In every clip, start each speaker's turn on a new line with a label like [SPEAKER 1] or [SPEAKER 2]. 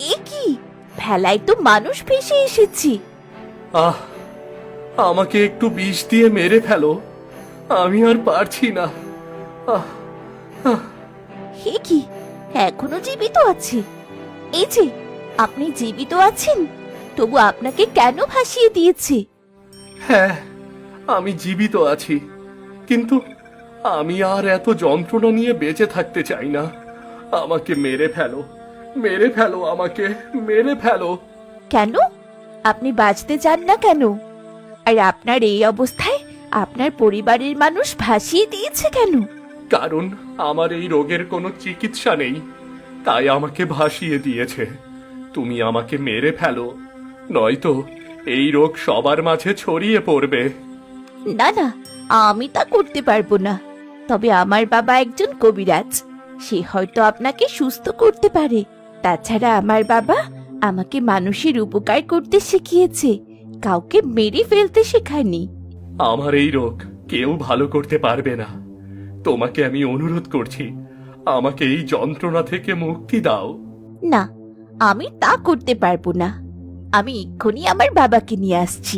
[SPEAKER 1] এ কি, ভেলায় তো মানুষ ভেসে এসেছি।
[SPEAKER 2] আহ, আমাকে একটু বিষ দিয়ে মেরে ফেলো, আমি আর পারছি না। আহ, আহ,
[SPEAKER 1] হে কি, এখনো জীবিত আছে? এই যে, আপনি জীবিত আছেন, তবু আপনাকে কেন ভাসিয়ে দিয়েছে?
[SPEAKER 2] হ্যাঁ, আমি জীবিত আছি, কিন্তু আমি আর এত যন্ত্রণা নিয়ে বেঁচে থাকতে চাই না। আমাকে মেরে ফেলো, মেরে ফেলো, আমাকে মেরে ফেলো।
[SPEAKER 1] কেন? আপনি বাঁচতে চান না কেন? আর আপনার এই অবস্থায় আপনার পরিবারের মানুষ ভাসিয়ে দিয়েছে কেন?
[SPEAKER 2] কারণ আমার এই রোগের কোনো চিকিৎসা নেই, তাই আমাকে ভাসিয়ে দিয়েছে। তুমি আমাকে মেরে ফেলো, নয়তো এই রোগ সবার মাঝে ছড়িয়ে পড়বে।
[SPEAKER 1] না না, আমি তা করতে পারবো না। তবে আমার বাবা একজন কবিরাজ, সে হয়তো আপনাকে সুস্থ করতে পারে। তাছাড়া আমার বাবা আমাকে মানুষের উপকার করতে শিখিয়েছে, কাউকে মেরে ফেলতে শেখায়নি।
[SPEAKER 2] আমার এই রোগ কেউ ভালো করতে পারবে না। তোমাকে আমি অনুরোধ করছি, আমাকে এই যন্ত্রণা থেকে মুক্তি দাও।
[SPEAKER 1] না, আমি তা করতে পারবো না। আমি এক্ষুনি আমার বাবাকে নিয়ে আসছি।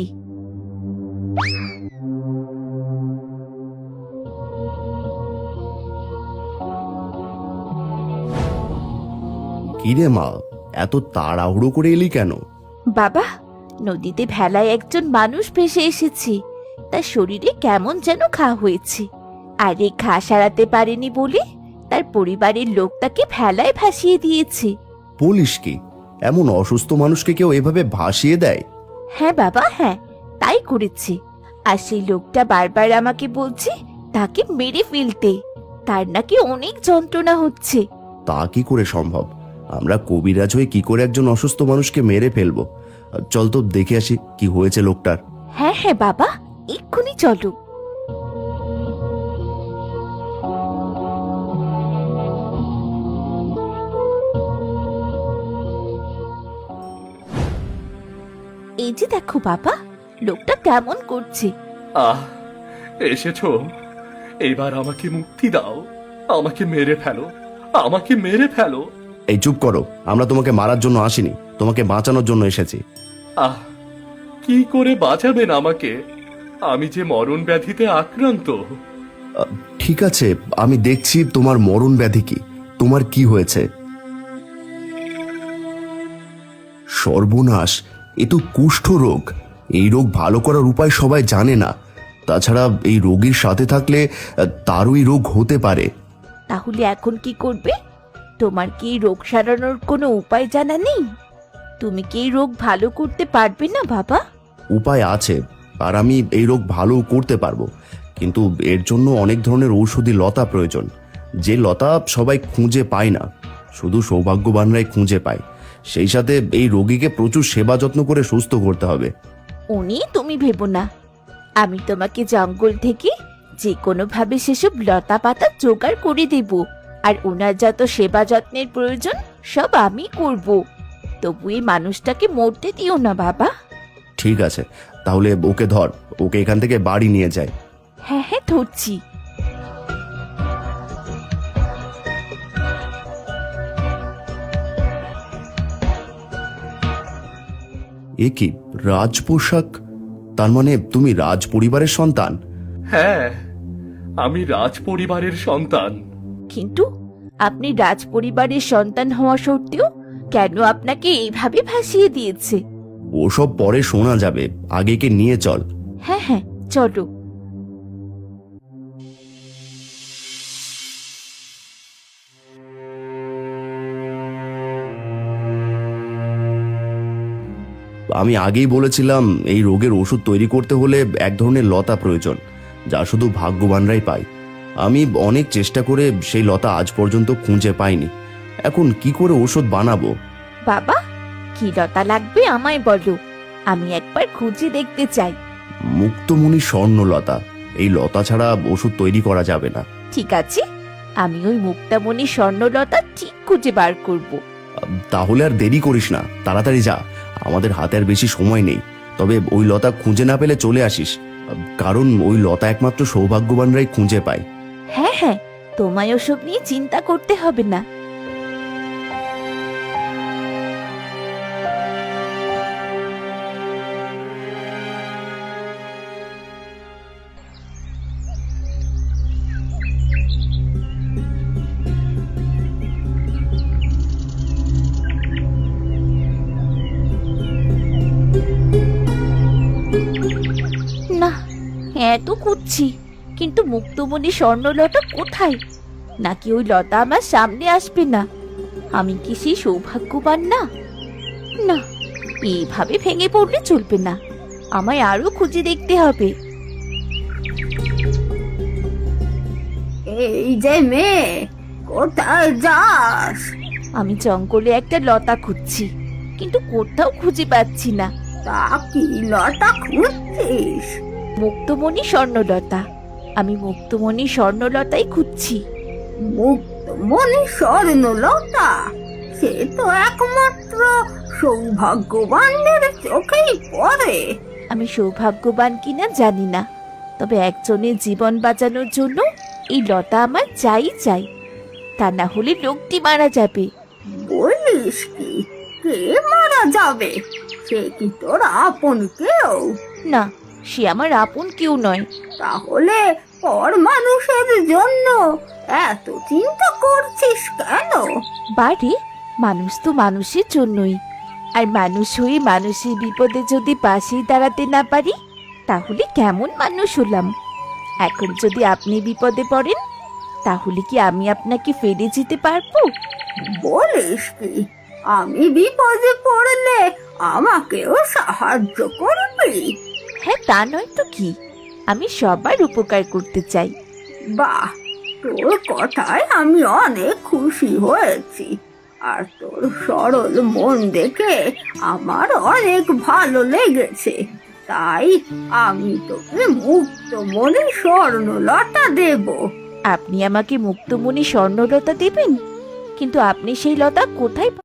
[SPEAKER 3] কিরে মা, এত তাড়াহুড়ো করে এলি কেন?
[SPEAKER 1] বাবা, নদীতে ভেলায় একজন মানুষ ভেসে এসেছে, তার শরীরে কেমন যেন ঘা হয়েছে। আর এই ঘা সারাতে পারেনি বলে তার পরিবারের লোক তাকে ভেলায় ভাসিয়ে দিয়েছে।
[SPEAKER 3] বলিস কি, এমন অসুস্থ মানুষকে কেউ এভাবে ভাসিয়ে দেয়?
[SPEAKER 1] হ্যাঁ বাবা, হ্যাঁ, তাই করেছে। আর সেই লোকটা বারবার আমাকে বলছে তাকে মেরে ফেলতে, তার নাকি অনেক যন্ত্রণা হচ্ছে।
[SPEAKER 3] তা কি করে সম্ভব? আমরা কবিরাজ হয়ে কি করে একজন অসুস্থ মানুষকে মেরে ফেলবো? চল তো দেখে আসি কি হয়েছে লোকটার।
[SPEAKER 1] হ্যাঁ হ্যাঁ বাবা, এক্ষুনি চলো। এই যে দেখো বাবা, লোকটা কেমন করছে।
[SPEAKER 2] আহ, এসেছো, এবার আমাকে মুক্তি দাও। আমাকে মেরে ফেলো, আমাকে মেরে ফেলো।
[SPEAKER 3] এই চুপ করো, আমরা তোমাকে মারার জন্য আসিনি, তোমাকে বাঁচানোর জন্য এসেছি।
[SPEAKER 2] আহ, কি করে বাঁচাবেন আমাকে? আমি যে মরণ ব্যাধিতে আক্রান্ত।
[SPEAKER 3] ঠিক আছে, আমি দেখছি তোমার মরণ ব্যাধি কি, তোমার কি হয়েছে। সর্বনাশ, এ তো কুষ্ঠ রোগ। এই রোগ ভালো করার উপায় সবাই জানে না। তাছাড়া এই রোগীর সাথে থাকলে তারও এই রোগ হতে পারে।
[SPEAKER 1] তাহলে এখন কি করবে? তোমার কি এই রোগ সারানোর কোনো উপায় জানা নেই? তুমি কি এই রোগ ভালো করতে পারবে না বাবা?
[SPEAKER 3] উপায় আছে, আর আমি এই রোগ ভালো করতে পারবো, কিন্তু এর জন্য অনেক ধরনের ঔষধি লতা প্রয়োজন, যে লতা সবাই খুঁজে পায় না, শুধু সৌভাগ্যবানরাই খুঁজে পায়। সেই সাথে এই রোগীকে প্রচুর সেবা যত্ন করে সুস্থ করতে হবে।
[SPEAKER 1] উনি তুমি ভেবো না, আমি তোমাকে জঙ্গল থেকে যে কোনো ভাবে সেসব লতা পাতা জোগাড় করে দেব। আর ওনার যত সেবা যত্নের প্রয়োজন সব আমি করব। তবু এই মানুষটাকে মরতে দিও না বাবা।
[SPEAKER 3] ঠিক আছে, তাহলে ওকে ধর, ওকে এখান থেকে বাড়ি নিয়ে যায়।
[SPEAKER 1] হ্যাঁ হ্যাঁ, ধরছি।
[SPEAKER 3] এ কি, রাজ পোশাক? তার মানে তুমি রাজ পরিবারের সন্তান?
[SPEAKER 2] হ্যাঁ, আমি রাজ পরিবারের সন্তান।
[SPEAKER 1] কিন্তু আপনি রাজ পরিবারের সন্তান হওয়া সত্ত্বেও কেন আপনাকে এইভাবে ভাসিয়ে দিয়েছে?
[SPEAKER 3] ওসব পরে শোনা যাবে, আগে কে নিয়ে চল।
[SPEAKER 1] হ্যাঁ হ্যাঁ, চলো।
[SPEAKER 3] আমি আগেই বলেছিলাম, এই রোগের ওষুধ তৈরি করতে হলে এক ধরনের লতা প্রয়োজন, যা শুধু ভাগ্যবানরাই পায়। আমি অনেক চেষ্টা করে সেই লতা আজ পর্যন্ত খুঁজে পাইনি। এখন কি করে ওষুধ বানাবো?
[SPEAKER 1] বাবা, কি লতা লাগবে আমায় বলো, আমি একবার খুঁজে দেখতে চাই।
[SPEAKER 3] মুক্তমণি স্বর্ণলতা, এই লতা ছাড়া ওষুধ তৈরি করা যাবে না।
[SPEAKER 1] ঠিক আছে, আমি ওই মুক্তামণি স্বর্ণলতা ঠিক খুঁজে বার করব।
[SPEAKER 3] তাহলে আর দেরি করিস না, তাড়াতাড়ি যা, আমাদের হাতে আর বেশি সময় নেই। তবে ওই লতা খুঁজে না পেলে চলে আসিস, কারণ ওই লতা একমাত্র সৌভাগ্যবানরাই খুঁজে পায়।
[SPEAKER 1] হ্যাঁ হ্যাঁ, তোমায় ওসব নিয়ে চিন্তা করতে হবে না। না, এত খুঁজছি, কিন্তু মুক্তমণি স্বর্ণলতা কোথায়? নাকি ওই লতা আমার সামনে আসবে না? আমি কি সেই সৌভাগ্যবান না? না, এইভাবে ভেঙে পড়লে চলবে না, আমায় আরো খুঁজে দেখতে হবে।
[SPEAKER 4] এই যে মেয়ে, কোথায় যাস?
[SPEAKER 1] আমি জঙ্গলে একটা লতা খুঁজছি, কিন্তু কোথাও খুঁজে পাচ্ছি না।
[SPEAKER 4] তা কি লতা খুঁজছিস?
[SPEAKER 1] মুক্তমণি স্বর্ণলতা, আমি মুক্তমণি স্বর্ণলতাই খুঁজছি।
[SPEAKER 4] মুক্তমণি স্বর্ণলতা? সে তো একমাত্র সৌভাগ্যবানদের চোখেই পড়ে।
[SPEAKER 1] আমি সৌভাগ্যবান কিনা জানি না, তবে একজনের জীবন বাঁচানোর জন্য এই লতা আমার চাই চাই, তা না হলে লোকটি মারা যাবে।
[SPEAKER 4] বলিস কি? কে মারা যাবে? সে কি তোর আপন কেউ?
[SPEAKER 1] না, সে আমার আপন কেউ নয়।
[SPEAKER 4] তাহলে পর মানুষের জন্য এত চিন্তা করছিস কেন?
[SPEAKER 1] বাড়ি, মানুষ তো মানুষের জন্যই, আর মানুষ হয়ে মানুষের বিপদে যদি পাশেই দাঁড়াতে না পারি, তাহলে কেমন মানুষ হলাম? এখন যদি আপনি বিপদে পড়েন, তাহলে কি আমি আপনাকে ফেলে যেতে পারবো?
[SPEAKER 4] বলিস কি? আমি বিপদে পড়লে আমাকেও সাহায্য করবি?
[SPEAKER 1] হ্যাঁ, তা নয় তো কি, আমি সবার উপকার করতে চাই।
[SPEAKER 4] বাহ, তোর কথায় আমি অনেক খুশি হয়েছি। আর তোর সরল মন দেখে আমার অনেক ভালো লেগেছে। তাই আমি তোকে মুক্তমণি স্বর্ণলতা দেব।
[SPEAKER 1] আপনি আমাকে মুক্তমণি স্বর্ণলতা দেবেন? কিন্তু আপনি সেই লতা কোথায়